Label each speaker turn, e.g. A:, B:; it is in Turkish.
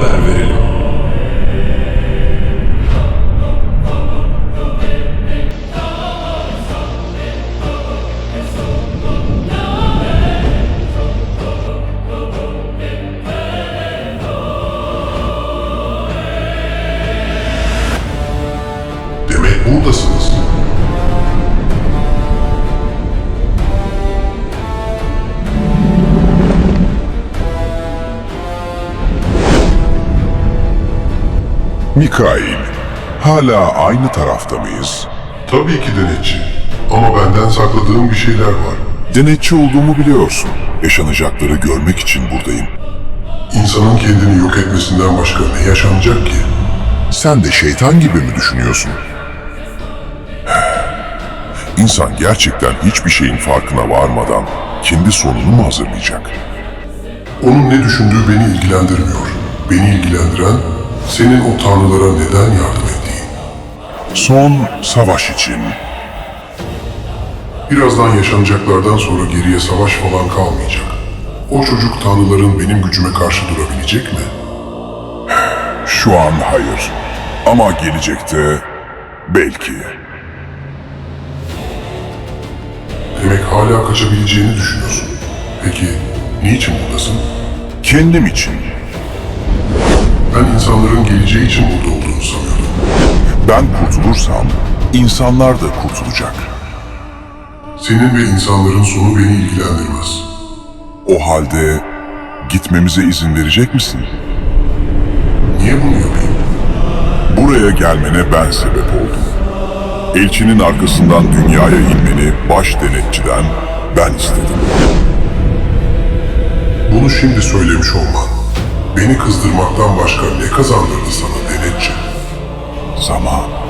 A: haber verelim.
B: Demek buradasınız.
C: Mikail, hala aynı tarafta mıyız?
B: Tabii ki denetçi. Ama benden sakladığım bir şeyler var.
C: Denetçi olduğumu biliyorsun. Yaşanacakları görmek için buradayım.
B: İnsanın kendini yok etmesinden başka ne yaşanacak ki?
C: Sen de şeytan gibi mi düşünüyorsun? İnsan gerçekten hiçbir şeyin farkına varmadan kendi sonunu mu hazırlayacak?
B: Onun ne düşündüğü beni ilgilendirmiyor. Beni ilgilendiren senin o tanrılara neden yardım ettiğin.
C: Son savaş için.
B: Birazdan yaşanacaklardan sonra geriye savaş falan kalmayacak. O çocuk tanrıların benim gücüme karşı durabilecek mi?
C: Şu an hayır. Ama gelecekte belki.
B: Demek hala kaçabileceğini düşünüyorsun. Peki niçin buradasın?
C: Kendim için.
B: Ben insanların geleceği için burada olduğunu sanıyordum.
C: Ben kurtulursam insanlar da kurtulacak.
B: Senin ve insanların sonu beni ilgilendirmez.
C: O halde gitmemize izin verecek misin?
B: Niye bunu yapayım?
C: Buraya gelmene ben sebep oldum. Elçinin arkasından dünyaya inmeni baş denetçiden ben istedim.
B: Bunu şimdi söylemiş olman, beni kızdırmaktan başka ne kazandırdı sana denetçi?
C: Zaman.